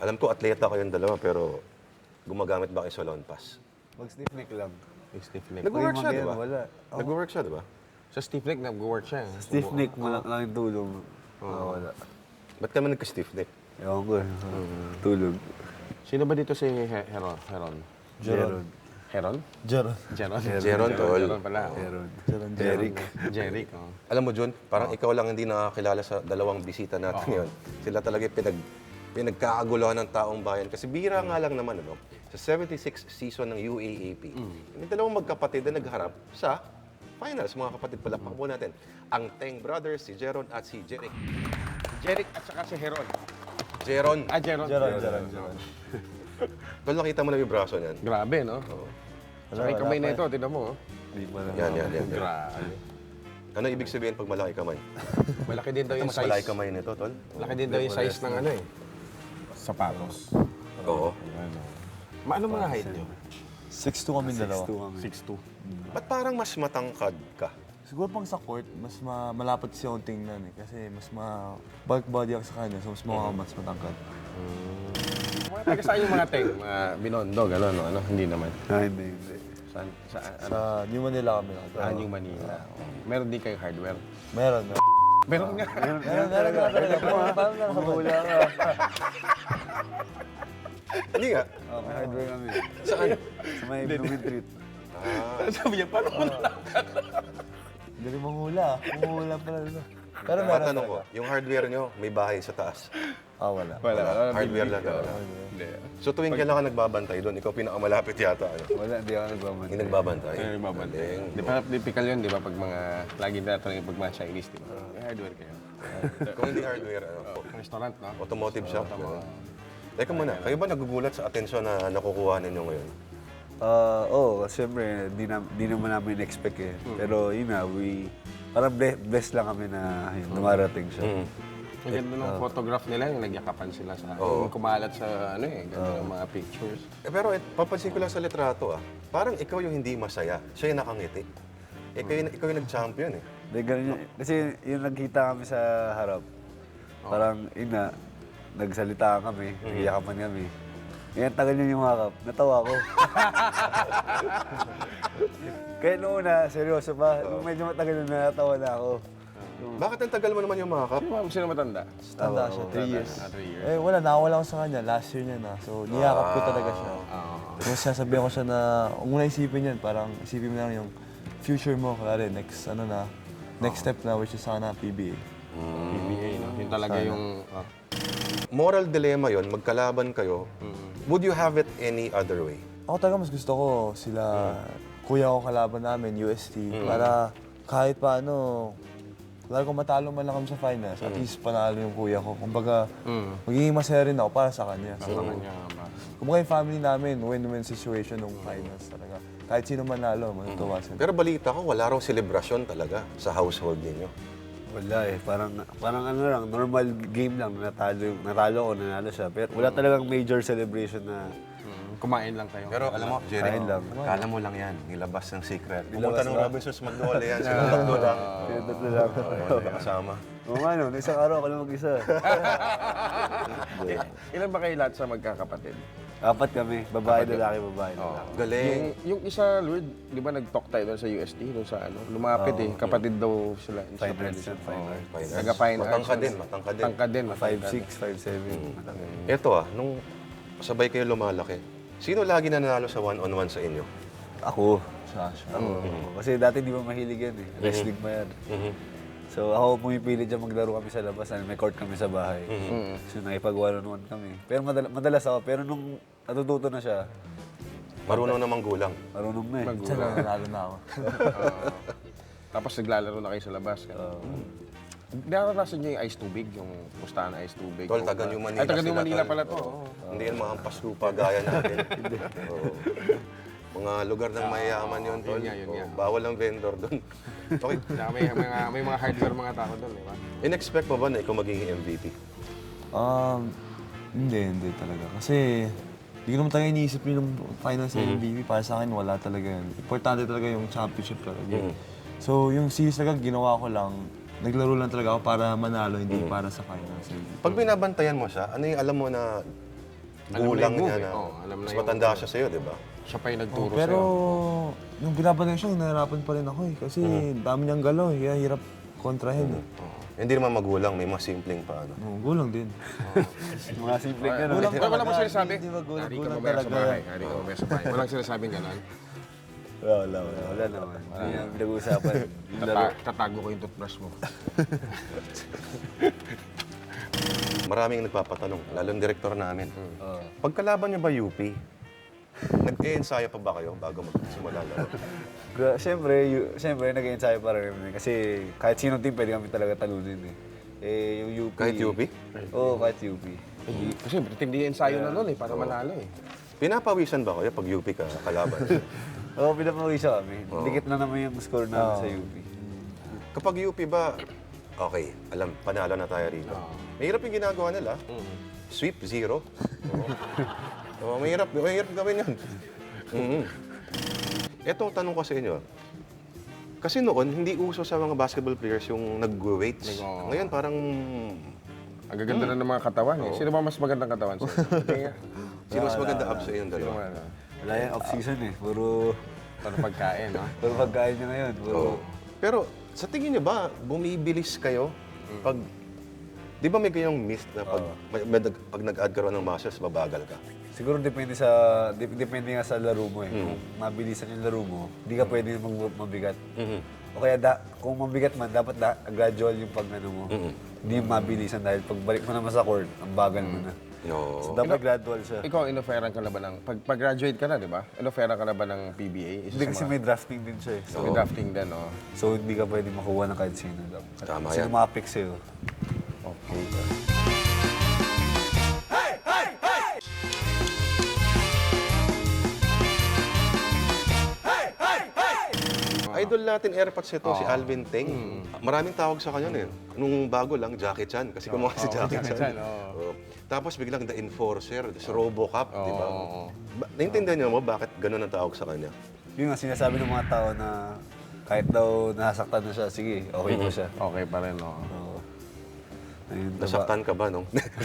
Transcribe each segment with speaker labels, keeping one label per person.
Speaker 1: Alam ko, atleta kayong dalawa, pero gumagamit ba kayo sa lawn pass?
Speaker 2: Mag-stiff neck lang.
Speaker 3: Stiff neck.
Speaker 1: Nag-work siya, di ba?
Speaker 2: Wala.
Speaker 1: Nag-work siya, di ba?
Speaker 3: Sa stiff neck, nag-work siya.
Speaker 2: Stiff neck, lang yung tulong. Wala.
Speaker 1: Ba't kami nagka-stiff neck?
Speaker 2: Ewan ko. Tulog.
Speaker 3: Sino ba dito si Heron?
Speaker 2: Jeron.
Speaker 3: Heron?
Speaker 4: Jeron.
Speaker 3: Jeron?
Speaker 1: Jeron, tol.
Speaker 3: Jeron pala.
Speaker 2: Jeron.
Speaker 4: Eric.
Speaker 3: Jeric, oh.
Speaker 1: Alam mo, Jun, parang ikaw lang hindi nakakilala sa dalawang bisita natin yun. Sila talaga pinagkakaguluhan ng taong bayan. Kasi bira nga lang naman, ano, sa 76th season ng UAAP, may dalawang magkapatid na nagharap sa finals. Mga kapatid, palakpak po natin. Ang Teng Brothers, si Jeron at si Jeric.
Speaker 3: Jeric at saka si Heron.
Speaker 1: Jeron.
Speaker 3: Jeron.
Speaker 4: Jeron.
Speaker 1: Tol, nakita mo na yung braso niyan.
Speaker 3: Grabe, no? Saka yung kamay na ito, tignan mo. Oh.
Speaker 2: Hindi pa na.
Speaker 1: Yan.
Speaker 3: Grabe.
Speaker 1: Ano ibig sabihin pag malaki kamay?
Speaker 3: Malaki din daw yung
Speaker 1: Mas malaki
Speaker 3: size.
Speaker 1: kamay nito, Tol.
Speaker 3: Malaki din daw yung size ng ano eh. Sapatos.
Speaker 1: Oo.
Speaker 3: Ano mga height nyo?
Speaker 4: 6'2 kami dalawa.
Speaker 3: 6'2".
Speaker 1: Ba't parang mas matangkad ka?
Speaker 4: Siguro pang sa court, mas malapad siya akong tingnan eh. Kasi mas bulk body ako sa kanya, so mas matangkad.
Speaker 3: Mga taga saan yung mga teng? Mga Binondo, gano'n, no? Ano? Hindi naman.
Speaker 2: Hindi.
Speaker 3: Saan?
Speaker 4: Sa New Manila kami nakatira.
Speaker 3: Yung Manila. Meron din kayong hardware.
Speaker 4: Meron.
Speaker 3: Meron nga.
Speaker 4: Parang nakakabula ka.
Speaker 1: Hindi nga.
Speaker 2: May hardware kami.
Speaker 1: Saan?
Speaker 2: Sa may Blooming Treat.
Speaker 3: Sabi niya, paano mo
Speaker 4: Galing manghula. Manghula pala nito. Pero meron
Speaker 1: Matanong ko,
Speaker 4: talaga.
Speaker 1: yung hardware nyo, may bahay sa taas.
Speaker 4: Wala.
Speaker 1: Hardware lang talaga.
Speaker 3: Hindi.
Speaker 1: So tuwing kailan ka nagbabantay doon, ikaw pinakamalapit yata. Ano?
Speaker 2: Wala, hindi ako nagmamahal.
Speaker 1: Hindi nagbabantay.
Speaker 3: Ay, mabantay.
Speaker 1: Galing.
Speaker 3: Di ba typical yun, di ba? Pag mga, lagi natin pag mga Chinese, di ba? May hardware kayo.
Speaker 1: Kung hindi hardware, ano,
Speaker 3: Restaurant, no?
Speaker 1: automotive shop. Ano. Teka muna, kayo ba nagugulat sa atensyon na nakukuha ninyo ngayon?
Speaker 2: Oo, siyempre, di naman namin expect eh. Pero yun na, parang blessed lang kami na yun, dumarating siya.
Speaker 3: Ang ganda ng photograph nila, yung nagyakapan sila sa, yung kumalat sa, ano eh, ganda ng mga pictures.
Speaker 1: Pero papansin ko lang sa litrato parang ikaw yung hindi masaya, siya yung nakangiti. Ikaw yung nag-champion eh.
Speaker 2: Di, ganun yun. Kasi yung nagkita kami sa harap, parang yun na, nagsalita kami, nagyakapan kami. Ngayon, tagal niya yung hakap. Natawa ko. Kaya noong una, seryoso pa. Nung medyo matagal na natawa na ako.
Speaker 1: Bakit ang tagal mo naman yung makeup?
Speaker 3: Sino matanda?
Speaker 4: Tanda siya, 3 years.
Speaker 3: 3 years.
Speaker 4: Eh wala, nakawala ko sa kanya. Last year niya na. So niyakap ko talaga siya. So sasabihan ko siya na, huwag mo na isipin yan. Parang isipin mo na lang yung future mo. Kaya next step na, which is sana PBA.
Speaker 3: PBA, no? Yun talaga yung...
Speaker 1: Moral dilemma yon, magkalaban kayo. Would you have it any other way?
Speaker 4: Ako talaga mas gusto ko sila, kuya ko kalaban namin, UST, para kahit paano, lalo kung matalo man lang kami sa finals, at least panalo yung kuya ko. Kumbaga, magiging masaya rin ako para sa kanya. So, kumbaga yung family namin, win-win situation nung finals talaga. Kahit sino manalo, matutuwa sila.
Speaker 1: Pero balita ko, wala raw selebrasyon talaga sa household ninyo.
Speaker 2: Wala eh. Parang ano lang, normal game lang. Natalo ko, nanalo siya. Pero wala talagang major celebration na...
Speaker 3: Kumain lang kayo.
Speaker 1: Pero alam mo, Jerry,
Speaker 2: Kain lang.
Speaker 1: kala mo lang yan, nilabas ng secret. Pumunta ng Robinsons Magnolia yan, sila tatlo lang.
Speaker 2: Kaya tatlo lang.
Speaker 1: Kasama.
Speaker 2: Oo nga no, isang araw ako lang mag-isa.
Speaker 3: Ilan ba kayo lahat sa magkakapatid?
Speaker 2: 4 kami. Babae, lalaki, babae, lalaki.
Speaker 1: Galing.
Speaker 3: Yung isa, Lord, di ba nag-talk tayo doon sa UST, doon sa ano, lumapit kapatid daw sila.
Speaker 2: Finals yan, finals.
Speaker 3: Taga-fine arts.
Speaker 1: Matangka din, matangka din.
Speaker 3: Tangkad din,
Speaker 2: 5'6", 5'7".
Speaker 1: Ito nung sabay kayo lumalaki, sino lagi nanalo sa one-on-one sa inyo?
Speaker 2: Ako.
Speaker 4: Sasha.
Speaker 2: Kasi dati di ba mahilig yan eh. Wrestling pa yan. So ako pumipili dyan maglaro kami sa labas. May court kami sa bahay. So nakipag one-on-one kami. Pero madalas ako. Pero nung natututo na siya,
Speaker 1: Marunong namang gulang.
Speaker 2: marunong na eh.
Speaker 4: Diyan na nanalo na ako.
Speaker 3: Tapos naglalaro na kayo sa labas. Naranasan niyo yung ice tubig, yung pustahan na ice tubig.
Speaker 1: Tol, taga New Manila
Speaker 3: Ay, taga New
Speaker 1: sila,
Speaker 3: Manila
Speaker 1: tol.
Speaker 3: pala to.
Speaker 1: Oo. Hindi yan mahampas lupa gaya natin. Oo. Mga lugar ng mayayaman yun, Tol.
Speaker 3: Yun nga, yun nga.
Speaker 1: Bawal ang vendor doon. Okay.
Speaker 3: Saka may mga hardware mga tao doon, di ba?
Speaker 1: In-expect mo ba na ikaw magiging MVP?
Speaker 4: Hindi talaga. Kasi hindi ko naman talaga iniisip yung finals ng MVP. Para sa akin, wala talaga yun. Importante talaga yung championship talaga. So, yung series talaga, ginawa ko lang. Naglaro lang talaga ako para manalo, hindi para sa finals.
Speaker 1: Pag binabantayan mo siya, ano yung alam mo na
Speaker 3: Alam na
Speaker 1: gulang
Speaker 3: yung
Speaker 1: niya
Speaker 3: move,
Speaker 1: na.
Speaker 3: eh. Oo, alam na
Speaker 1: Mas
Speaker 3: yung-
Speaker 1: matanda siya sa'yo, di ba?
Speaker 3: Siya pa yung nagturo
Speaker 4: Pero
Speaker 3: sa'yo.
Speaker 4: nung binabanay siya, nahirapan pa rin ako eh. Kasi dami niyang galaw, kaya hirap kontrahin eh.
Speaker 1: Hindi naman magulang, may mga simpleng pa. Ano.
Speaker 4: Gulang din.
Speaker 2: Mga simpleng gano'n.
Speaker 4: Gulang
Speaker 3: Wala
Speaker 4: talaga.
Speaker 3: mo sinasabi?
Speaker 4: Hindi ba gulang,
Speaker 3: Hari ka
Speaker 4: gulang
Speaker 3: mamaya sa
Speaker 4: talaga.
Speaker 3: bahay. Hari ka mamaya sa bahay. Walang sinasabing gano'n.
Speaker 2: Wala naman. Hindi naman pinag-uusapan. Yung laro.
Speaker 3: Tatago ko yung toothbrush mo.
Speaker 1: Maraming nagpapatanong, lalo ang direktor namin. Pagkalaban niyo ba UP? Nag-e-ensayo pa ba kayo bago magsimula laro?
Speaker 2: Siyempre, nag-ensayo pa rin kami. Kasi kahit sinong team, pwede kami talaga talunin eh. Yung UP...
Speaker 1: Kahit UP?
Speaker 2: Oo, kahit UP.
Speaker 3: Kasi tindi yung ensayo na nun eh, para manalo eh.
Speaker 1: Pinapawisan ba kayo pag UP ka kalaban?
Speaker 2: Oo, pinapawisa kami. Dikit na naman yung score namin sa UP.
Speaker 1: Kapag UP ba, okay, alam, panalo na tayo rito. Mahirap yung ginagawa nila. Sweep, 0. Mahirap gawin yun. Ito, tanong ko sa inyo. Kasi noon, hindi uso sa mga basketball players yung nag-weights.
Speaker 3: Oo.
Speaker 1: Ngayon, parang...
Speaker 3: Ang gaganda na ng mga katawan eh. Sino ba mas magandang katawan sa'yo? Tingnan.
Speaker 1: Sino mas maganda up sa inyong
Speaker 3: Sino
Speaker 1: dalawa?
Speaker 3: man,
Speaker 2: Wala yan, off-season eh. Puro
Speaker 3: pagkain, no?
Speaker 2: pagkain niya ngayon. Puro...
Speaker 1: Pero sa tingin niyo ba, bumibilis kayo pag... Di ba may ganyang myth na pag nag-add ka raw ng muscles, babagal ka?
Speaker 2: Siguro depende depende nga sa laro mo eh. Kung mabilisan yung laro mo, hindi ka pwede mabigat. O kaya kung mabigat man, dapat gradual yung pag-ano mo. Hindi yung mabilisan dahil pagbalik mo naman sa court, ang bagal mo na.
Speaker 1: No.
Speaker 2: So dapat gradual siya.
Speaker 3: Ikaw, inoferan ka na ba ng... Pag-graduate ka na, di ba? Inoferan ka na ba ng PBA?
Speaker 2: Hindi kasi may drafting din siya eh.
Speaker 3: So, may drafting din, no?
Speaker 2: So hindi ka pwede makuha ng kahit sino.
Speaker 1: Tama
Speaker 2: Sino
Speaker 1: yan.
Speaker 2: mga pick sa'yo.
Speaker 3: Okay.
Speaker 1: Idol natin airpods ito, si Alvin Teng. Maraming tawag sa kanya eh. Nung bago lang, Jackie Chan. Kasi kumuha si Jackie
Speaker 3: Jackie
Speaker 1: Chan.
Speaker 3: Chan,
Speaker 1: Oo. Tapos biglang The Enforcer, si Robocop, di ba? Naintindihan niyo mo bakit ganun ang tawag sa kanya?
Speaker 2: Yun nga sinasabi ng mga tao na kahit daw nasaktan na siya, sige, okay po siya.
Speaker 3: Okay pa rin, no?
Speaker 2: Oo. Ayun,
Speaker 1: Nasaktan ka ba, no?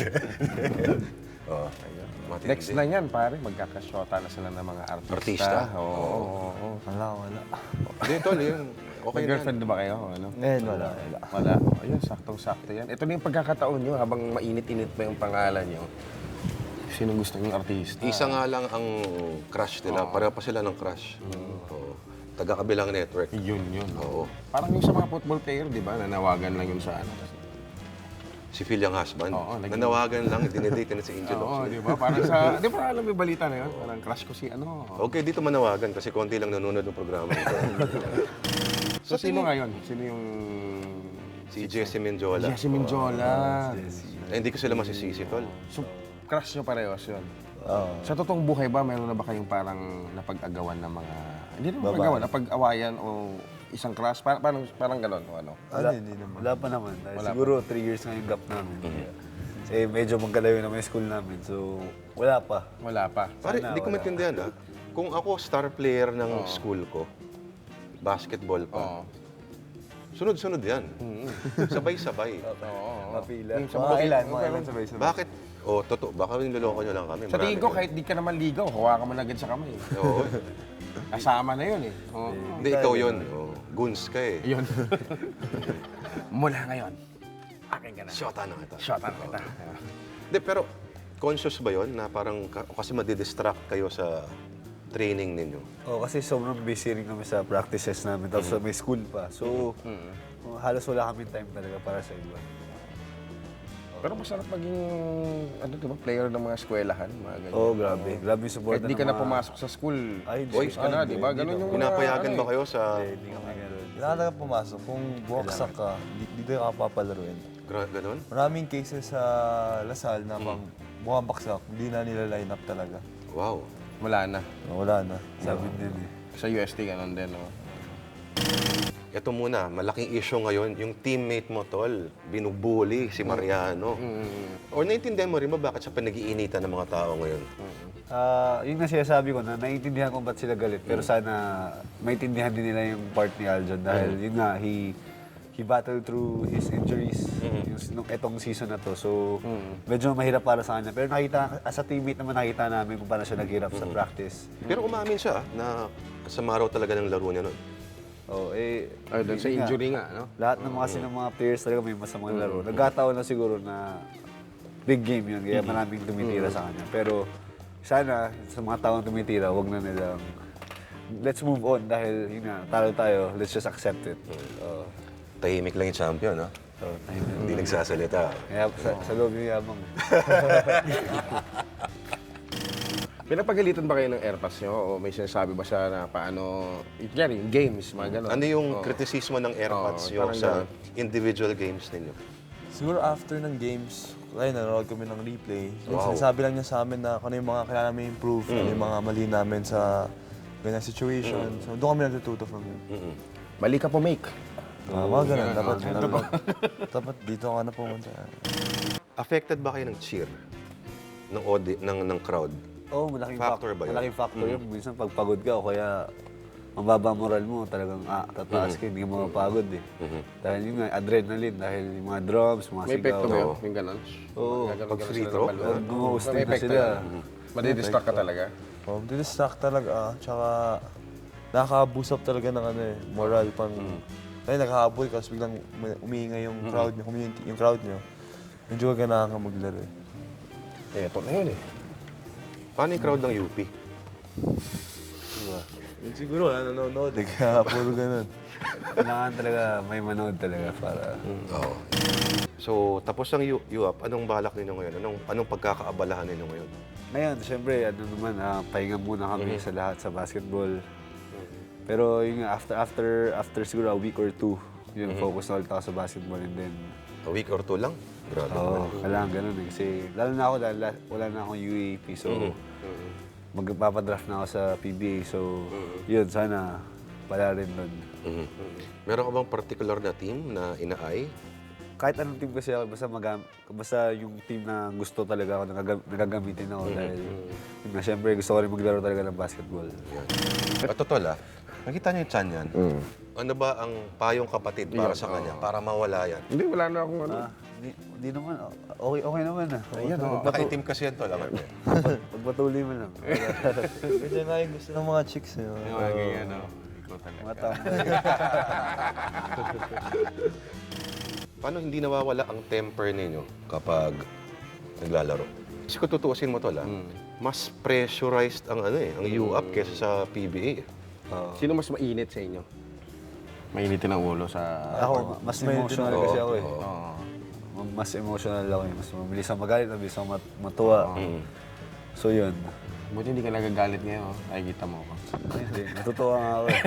Speaker 1: Oo. Matindi.
Speaker 3: Next na yan, pare. Magkakasyota na sila ng mga artista.
Speaker 1: Artista?
Speaker 3: Oo.
Speaker 4: Wala.
Speaker 1: Hindi, tol, yun.
Speaker 3: Okay
Speaker 1: Okay na yan.
Speaker 3: girlfriend ba kayo? Ano?
Speaker 4: Ngayon, wala.
Speaker 3: Wala. Ayun, saktong-sakto yan. Ito na yung pagkakataon nyo habang mainit-init pa yung pangalan nyo. Sino gusto yung artista?
Speaker 1: Isa nga lang ang crush nila. Pareho pa sila ng crush. Oo. Taga-kabilang network.
Speaker 3: Yun.
Speaker 1: Oo.
Speaker 3: Parang yung sa mga football player, di ba? Nanawagan lang yun sa ano.
Speaker 1: Si Phil yung husband.
Speaker 3: Oo, naging-
Speaker 1: Nanawagan lang, dinedate na si Angel
Speaker 3: Oo,
Speaker 1: Oxley.
Speaker 3: di ba? Parang sa... Di ba alam mo yung balita na yun? Parang crush ko si ano.
Speaker 1: Okay, dito manawagan kasi konti lang nanonood ng programa ito.
Speaker 3: So, sino ngayon? Sino yung...
Speaker 1: Si Jesse Menjola.
Speaker 3: Jesse Minjola.
Speaker 1: Eh, hindi ko sila masisisi, tol.
Speaker 3: So, crush nyo parehas yun.
Speaker 4: Oo.
Speaker 3: Sa totoong buhay ba, mayroon na ba kayong parang napag-agawan ng mga... Hindi naman napag-agawan, napag-awayan o isang crush? Parang gano'n o ano?
Speaker 4: Hindi naman.
Speaker 2: Wala pa naman. Dahil siguro 3 years na yung gap namin. Kasi medyo magkalayo naman yung school namin. So, wala pa.
Speaker 3: Wala pa.
Speaker 1: Pare, hindi ko maintindihan ah. Kung ako star player ng school ko, basketball pa,
Speaker 3: Oo.
Speaker 1: sunod-sunod yan. Sabay-sabay.
Speaker 2: Mapila.
Speaker 4: Mga ilan sabay-sabay.
Speaker 1: Bakit? Oh, totoo. Baka niloloko nyo lang kami.
Speaker 3: Sa tingin
Speaker 1: Marami
Speaker 3: ko,
Speaker 1: yun.
Speaker 3: kahit di ka naman ligaw, hawakan mo na agad sa kamay.
Speaker 1: Oo.
Speaker 3: Kasama na yun eh. Oo.
Speaker 1: Hindi, ikaw yun. Oh, goons ka eh.
Speaker 3: Yun. Mula ngayon, akin ka na.
Speaker 1: Shota na kita.
Speaker 3: Shota na kita.
Speaker 1: Hindi, pero conscious ba yun na parang kasi madidistract kayo sa training ninyo?
Speaker 2: Oh, kasi sobrang busy rin kami sa practices namin. Tapos may school pa. So, halos wala kami time talaga para sa iba.
Speaker 3: Pero masarap maging, ano diba, player ng mga eskwelahan, mga ganyan.
Speaker 2: Oh, grabe. Grabe yung support
Speaker 3: Kahit di ka na pumasok sa school,
Speaker 2: Ay,
Speaker 3: boys ka na, di ba? Ganun yung...
Speaker 1: Pinapayagan
Speaker 3: ano
Speaker 1: ba
Speaker 3: eh.
Speaker 1: kayo sa...
Speaker 2: Hindi kami gano'n.
Speaker 4: Kailangan talaga pumasok. Kung buwaksak ka, dito ka papalaruin.
Speaker 1: Ganon?
Speaker 4: Maraming cases sa Lasal na pang bumabaksak, hindi na nila line up talaga.
Speaker 1: Wow.
Speaker 3: Wala na.
Speaker 4: Wala na.
Speaker 2: Sabi din eh.
Speaker 3: Sa UST, ganun din, no?
Speaker 1: Ito muna, malaking issue ngayon, yung teammate mo, tol, binubuli si Mariano. O naintindihan mo rin ba bakit siya pinag-iinitan ng mga tao ngayon?
Speaker 2: Yun nga sinasabi ko na naiintindihan ko ba't sila galit. Pero sana maintindihan din nila yung part ni Aljon. Dahil yun nga, he battled through his injuries nung etong season na to. So, medyo mahirap para sa kanya. Pero nakita, as a teammate naman nakita namin kung paano siya naghirap sa practice.
Speaker 1: Pero umamin siya na kasama raw talaga ng laro niya nun.
Speaker 2: Oh,
Speaker 3: Doon sa
Speaker 2: yun nga.
Speaker 3: injury nga, no?
Speaker 2: Lahat ng mga players talaga may masamang laro. Nagkataon na siguro na big game yun, kaya maraming tumitira sa kanya. Pero sana, sa mga taong tumitira, wag na nilang let's move on dahil yun nga, talo tayo, let's just accept it.
Speaker 1: Tahimik lang yung champion, no? Hindi nagsasalita.
Speaker 2: Kaya sa loob yung yabang.
Speaker 3: Pinapagalitan ba kayo ng airpads nyo? O may sinasabi ba siya na paano, yung games, mga gano'n?
Speaker 1: Ano yung kritisismo ng AirPods nyo
Speaker 3: parang
Speaker 1: sa
Speaker 3: ganun.
Speaker 1: individual games ninyo?
Speaker 4: Siguro after ng games, kaya nanonood kami ng replay. Yung
Speaker 1: Wow.
Speaker 4: sinasabi lang niya sa amin na kung ano yung mga kailangan namin improve, ano yung mga mali namin sa ganyan situation. So doon kami natututo from him.
Speaker 3: Mali ka po, make.
Speaker 4: Mga ganun, dapat dito ka na pumunta.
Speaker 1: Affected ba kayo ng cheer? Ng crowd?
Speaker 2: Oo, malaking
Speaker 1: Factor ba yun?
Speaker 2: Malaking factor yun. Minsan pag pagod ka o kaya mababa moral mo, talagang tataas ka, hindi ka mapapagod eh. Dahil yun nga, adrenaline, dahil yung mga drums, mga
Speaker 3: May
Speaker 2: sigaw.
Speaker 3: epekto ba yun? Yung gano'n?
Speaker 2: Oo.
Speaker 1: Pag free throw?
Speaker 2: Gumuhustin
Speaker 3: May
Speaker 2: na
Speaker 3: epekto
Speaker 2: sila.
Speaker 3: yun. Madidistract ka talaga?
Speaker 4: Didistract talaga, tsaka nakaka-boost up talaga ng moral pang... Kaya naghahabol ka, tapos biglang umiingay yung crowd nyo, yung crowd nyo. Medyo ganahan ka maglaro eh.
Speaker 3: Ito na yun eh.
Speaker 1: Paano yung crowd ng UP?
Speaker 4: Siguro, nanonood eh, kaya puro ganun.
Speaker 2: Kailangan talaga, may manood talaga para...
Speaker 1: Oo. So, tapos ang UAP, anong balak ninyo ngayon? Anong pagkakaabalahan ninyo ngayon?
Speaker 2: Ngayon, syempre, pahinga muna kami sa lahat sa basketball. Pero yung nga, after siguro a week or two, yun, focus na ulit ako sa basketball and then...
Speaker 1: A week or two lang? Grabe.
Speaker 2: Oo, kailangan ganun eh. Kasi lalo na ako dahil wala na akong UAP, so magpapadraft na ako sa PBA. So, yun, sana pala rin doon.
Speaker 1: Meron ka bang particular na team na inaay?
Speaker 2: Kahit anong team kasi ako, basta yung team na gusto talaga ako, nagagamitin ako dahil yun nga, syempre gusto ko rin maglaro talaga ng basketball.
Speaker 1: Yan. At totoo nakita niyo yung chan yan? Ano ba ang payong kapatid para sa kanya? Para mawala yan?
Speaker 3: Hindi, wala na akong ano.
Speaker 2: Hindi naman, okay naman ah.
Speaker 3: Ayan,
Speaker 1: Nakaitim kasi yan to, alam mo.
Speaker 2: Pagpatuloy mo lang.
Speaker 4: Kasi nga yung gusto ng mga chicks eh.
Speaker 3: Yung mga ganyan, no? Ikaw talaga.
Speaker 2: Mga tao.
Speaker 1: Paano hindi nawawala ang temper ninyo kapag naglalaro? Kasi kung tutuusin mo to mas pressurized ang ang UAP kesa sa PBA.
Speaker 3: Sino mas mainit sa inyo? Mainitin ang ulo sa...
Speaker 2: Ako, mas emotional kasi ako eh.
Speaker 3: Oo.
Speaker 2: Mas emotional ako eh. Mas mabilis ang magalit, mabilis ang matuwa. So yun.
Speaker 3: Buti hindi ka nagagalit ngayon. Nakikita mo ako.
Speaker 2: Hindi, natutuwa nga ako eh.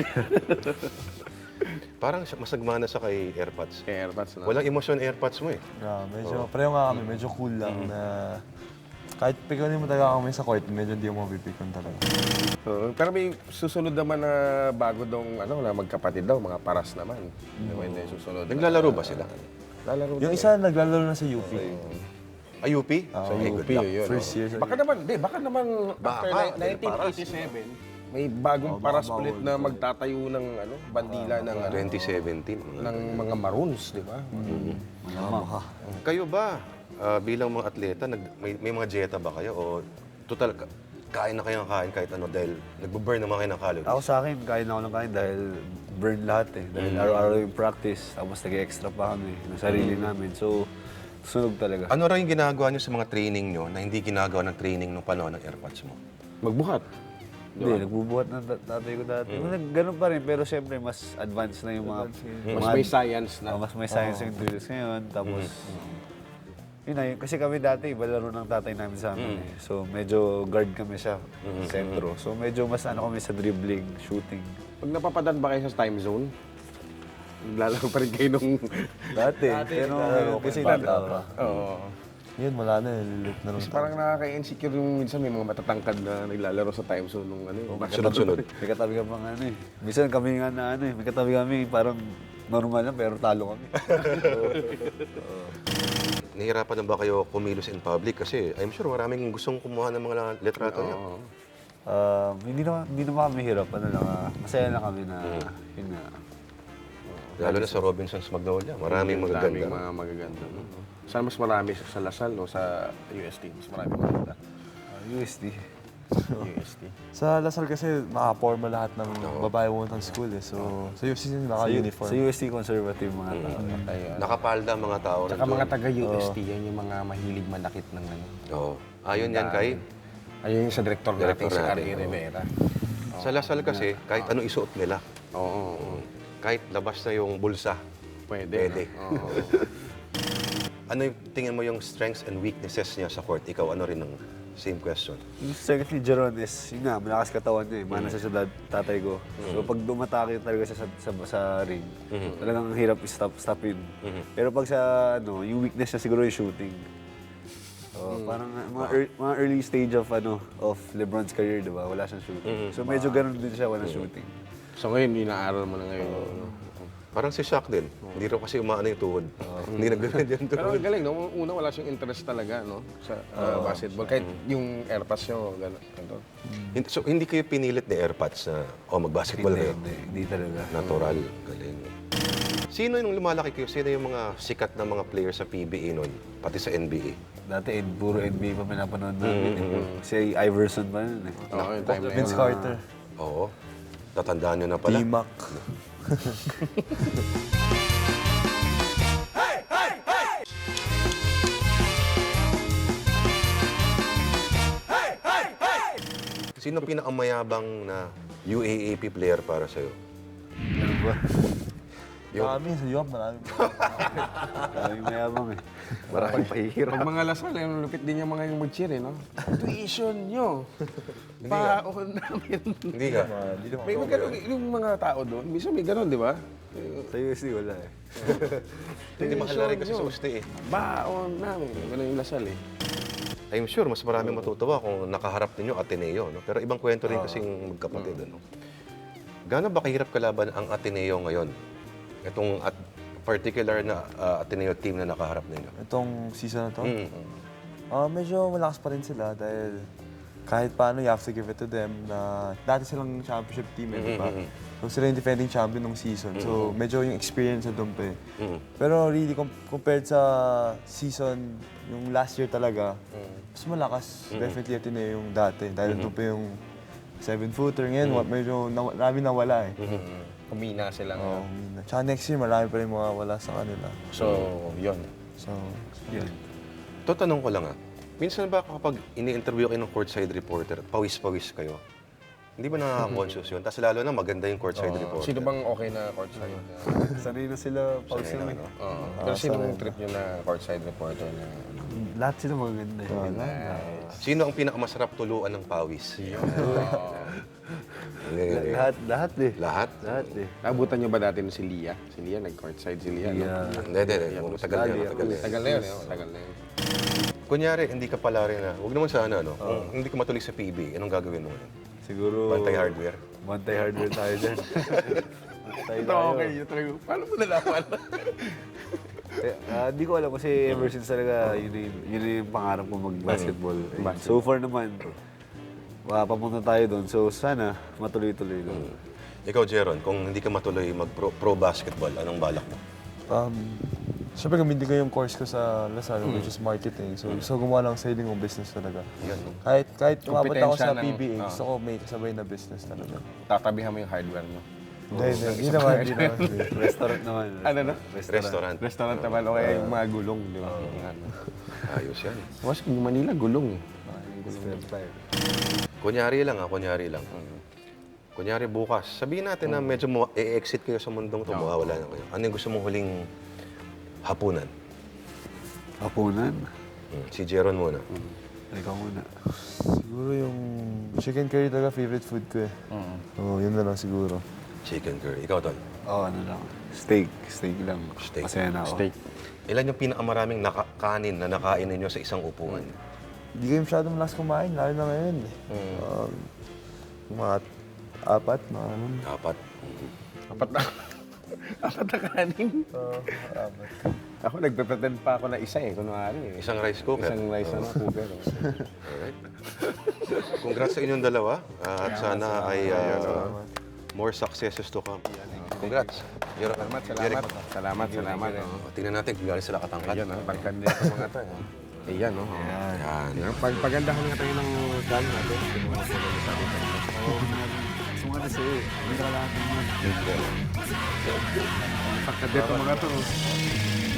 Speaker 1: Parang masagmana sa kay AirPods.
Speaker 3: Kaya airpads na.
Speaker 1: Walang emosyon AirPods mo eh.
Speaker 4: Medyo, pareho nga kami, medyo cool lang na kahit pikunin mo talaga kami sa court, medyo hindi mo mapipikon talaga.
Speaker 3: Pero may susunod naman na bago dong na magkapatid daw, mga paras naman. Hindi susunod.
Speaker 1: Naglalaro ba sila?
Speaker 3: Lalaro
Speaker 4: Yung isa naglalaro na sa UP.
Speaker 1: UP?
Speaker 3: sa
Speaker 1: Ay,
Speaker 3: UP,
Speaker 1: good luck.
Speaker 3: yun.
Speaker 4: First year sa
Speaker 3: Baka naman, after
Speaker 1: Baka,
Speaker 3: 1987, may bagong paras ulit na magtatayo ng bandila ng
Speaker 1: 2017.
Speaker 3: ng mga Maroons, di ba?
Speaker 1: Kayo ba, bilang mga atleta, may mga dieta ba kayo? O total, kain na kayo ng kain kahit ano dahil nagbo-burn naman kayo ng calories?
Speaker 2: Ako sa akin, kain ako ng kain dahil burn lahat eh. Dahil araw-araw yung practice, tapos nag-extra pa kami ng sarili namin. So, sunog talaga.
Speaker 1: Ano rin yung ginagawa nyo sa mga training nyo na hindi ginagawa ng training nung panahon ng AirPods mo?
Speaker 3: Magbuhat.
Speaker 2: Hindi, nagbubuhat ng tatay ko dati. Ganun pa rin, pero siyempre mas advanced na yung mga...
Speaker 3: Mas may science na.
Speaker 2: Mas may science yung drills ngayon. Tapos, yun na, kasi kami dati, iba laro ng tatay namin sa amin eh. So, medyo guard kami siya, sentro. So, medyo mas kami sa dribbling, shooting.
Speaker 3: Pag napapadan ba kayo sa time zone, naglalaro pa rin kayo nung...
Speaker 2: Dati pero kasi bata pa.
Speaker 3: Oo.
Speaker 4: Yun, wala na, lilit na lang.
Speaker 3: Kasi parang nakaka-insecure yung minsan may mga matatangkad na naglalaro sa time zone nung
Speaker 1: Sunod-sunod.
Speaker 2: May katabi ka pang Minsan kami nga na may katabi kami, parang normal lang, pero talo kami.
Speaker 1: Nahihirapan na ba kayo kumilos in public? Kasi I'm sure maraming gustong kumuha ng mga litrato niyo.
Speaker 2: Hindi naman kami hirap, masaya na kami na, yun nga.
Speaker 1: Lalo na sa Robinson's Magnolia. Maraming magaganda.
Speaker 3: Daming mga magaganda. No? Saan mas marami sa Lasal o sa UST? Mas marami maganda.
Speaker 2: USD.
Speaker 3: UST.
Speaker 4: Sa Lasal kasi naka-formal lahat ng babae pumunta ng school eh. So, sa UST naka-uniform.
Speaker 2: Sa USD conservative mga tao.
Speaker 3: Ayun.
Speaker 1: Nakapalda mga tao
Speaker 3: Tsaka
Speaker 1: nandun.
Speaker 3: mga taga-UST, yan yung mga mahilig manakit ng ano.
Speaker 1: Oo. Ayon yan kay.
Speaker 3: Ayun yung sa director natin,
Speaker 1: Director
Speaker 3: si
Speaker 1: natin,
Speaker 3: R.A.
Speaker 1: oo.
Speaker 3: Rivera.
Speaker 1: Sa Lasal kasi, kahit ano isuot nila.
Speaker 3: Oo.
Speaker 1: Kahit labas na yung bulsa.
Speaker 3: Pwede.
Speaker 1: Pwede.
Speaker 3: No? Oo.
Speaker 1: Ano yung tingin mo yung strengths and weaknesses niya sa court? Ikaw, ano rin ang same question?
Speaker 2: Yung second ni Jeron is, yun nga, malakas katawan niya eh. Mana siya sa tatay ko. So pag dumatake talaga siya sa ring, talagang hirap stopin. Pero pag sa, yung weakness niya siguro yung shooting. So, parang mga early stage of LeBron's career, di ba? Wala siyang shooting. So medyo ganun din siya walang shooting.
Speaker 3: So ngayon, inaaral mo na ngayon. no?
Speaker 1: Parang si Shaq din. Hindi raw kasi umaano yung tuhod. Hindi nagganyan yung
Speaker 3: Pero
Speaker 1: tuhod.
Speaker 3: ang galing, no? Una wala siyang interest talaga, no? Sa basketball. Kahit yung airpass nyo, gano'n.
Speaker 1: So, hindi kayo pinilit ni Airpods na, mag-basketball kayo?
Speaker 2: Hindi talaga.
Speaker 1: Natural. Galing. Sino yung lumalaki kayo? Sino yung mga sikat na mga players sa PBA noon? Pati sa NBA?
Speaker 2: Dati, puro NBA pa pinapanood namin. Si Iverson pa yun eh.
Speaker 3: Oo, yung time na yun.
Speaker 4: Vince Carter,
Speaker 1: Oo. Tatandaan nyo na pala.
Speaker 4: D-Mac.
Speaker 1: Sino pinakamayabang na UAAP player para sa'yo?
Speaker 2: Ano ba?
Speaker 4: Marami sa UAP, marami.
Speaker 2: Maraming mayabang eh.
Speaker 1: Maraming pahihirap.
Speaker 3: Pag mga Lasal, yung lupit din yung mga yung mag-cheer, eh, no? Tuition nyo. Paon namin.
Speaker 1: Hindi ka?
Speaker 4: Hindi naman.
Speaker 3: May ganun, yung mga tao doon, minsan may ganun, di ba?
Speaker 2: Sa USD wala eh.
Speaker 1: Hindi mahal rin kasi sa usti eh.
Speaker 3: Baon namin. Ganun yung Lasal, eh.
Speaker 1: I'm sure mas maraming matutuwa kung nakaharap ninyo Ateneo, no? Pero ibang kwento rin kasing magkapatid, ano? Gaano ba kahirap kalaban ang Ateneo ngayon? Itong particular na Ateneo team na nakaharap ninyo.
Speaker 4: Itong season na to,
Speaker 1: Mm.
Speaker 4: medyo malakas pa rin sila dahil kahit paano, you have to give it to them na dati silang championship team, eh, di ba? So, sila yung defending champion ng season. So, medyo yung experience na doon pa eh. Pero really, compared sa season, yung last year talaga, mas malakas. Definitely ito na yung dati. Dahil doon pa yung 7-footer. Ngayon, medyo marami nawala eh.
Speaker 3: Kumina sila
Speaker 4: Oo,
Speaker 3: ngayon.
Speaker 4: tsaka next year, marami pa rin mawawala sa kanila.
Speaker 3: So, yun.
Speaker 4: So,
Speaker 2: Yun.
Speaker 1: Ito, tanong ko lang minsan ba kapag ini-interview kayo ng courtside reporter, pawis-pawis kayo, hindi ba nakaka-conscious yun? Tapos lalo na maganda yung courtside reporter.
Speaker 3: Sino bang okay na courtside?
Speaker 2: Sanay na sila pause
Speaker 1: Sanay
Speaker 2: lang
Speaker 1: na,
Speaker 2: eh.
Speaker 1: no?
Speaker 3: Oo. Pero sinong trip nyo na courtside reporter na ano?
Speaker 2: Lahat sila magaganda eh.
Speaker 1: Sino ang pinakamasarap tuluan ng pawis? Hindi.
Speaker 2: Lahat eh.
Speaker 1: Lahat?
Speaker 2: Lahat eh.
Speaker 3: Nabutan nyo ba dati si Lia? Si Lia, nag-courtside si Lia.
Speaker 2: Yeah.
Speaker 3: No?
Speaker 1: Hindi. Matagal na yan.
Speaker 3: Tagal na yun, eh. Tagal na yun.
Speaker 1: Kunyari, hindi ka pala rin huwag naman sana, no? Kung hindi ka matuloy sa PB, anong gagawin mo ngayon?
Speaker 2: Siguro...
Speaker 1: Bantay hardware?
Speaker 2: Bantay hardware tayo dyan. Bantay
Speaker 3: Ito
Speaker 2: tayo.
Speaker 3: okay, yun talaga. Paano mo nalaman?
Speaker 2: Hindi ko alam kasi ever since talaga yun yung pangarap ko mag-basketball. So far naman, papunta tayo doon. So sana matuloy-tuloy doon.
Speaker 1: Ikaw, Jeron, kung hindi ka matuloy mag-pro basketball, anong balak mo?
Speaker 4: Siyempre, gamitin ko yung course ko sa Lasal, which is marketing. So gumawa lang sa kong business talaga. Kahit umabot ako sa
Speaker 3: Kompetensya ng-
Speaker 4: PBA, gusto ko may kasabay na business talaga.
Speaker 3: Tatabihan mo yung hardware mo.
Speaker 4: Hindi naman.
Speaker 2: Restaurant naman.
Speaker 3: Ano na?
Speaker 1: Restaurant.
Speaker 3: Restaurant naman o kaya yung mga gulong, di ba?
Speaker 1: Ayos yan.
Speaker 3: Mas yung Manila, gulong eh.
Speaker 1: Kunyari lang. Kunyari bukas, sabihin natin na medyo e-exit kayo sa mundong ito, mawawala na kayo. Ano yung gusto mong huling hapunan?
Speaker 2: Hapunan.
Speaker 1: Si Jeron muna.
Speaker 2: Ikaw muna.
Speaker 4: Siguro yung chicken curry talaga favorite food ko eh. Oo, yun na lang siguro.
Speaker 1: Chicken curry. Ikaw, Tol?
Speaker 2: Ano lang. Steak. Steak lang.
Speaker 1: Steak.
Speaker 2: Masaya na ako.
Speaker 3: Steak.
Speaker 1: Ilan yung pinakamaraming kanin na nakain ninyo sa isang upuan?
Speaker 4: Hindi kayo masyadong malakas kumain, lalo na ngayon eh. Mga 4, mga ano.
Speaker 1: Dapat.
Speaker 3: Apat na kanin. Ako, nagpe-pretend pa ako na isa eh, kunwari eh.
Speaker 1: Isang rice cooker.
Speaker 3: Isang rice na cooker.
Speaker 1: Alright. Congrats sa inyong dalawa. At sana ay more successes to come. Congrats.
Speaker 3: Salamat.
Speaker 1: Tingnan natin kung galing sila katangkad.
Speaker 3: Ayan, tangkad nito mga to. Ayan, no?
Speaker 1: Yan.
Speaker 3: Pagandahan nga tayo ng gun natin.
Speaker 2: Sumali sa'yo eh. Hindi ka lahat ng mga.
Speaker 3: Tangkad nito mga to.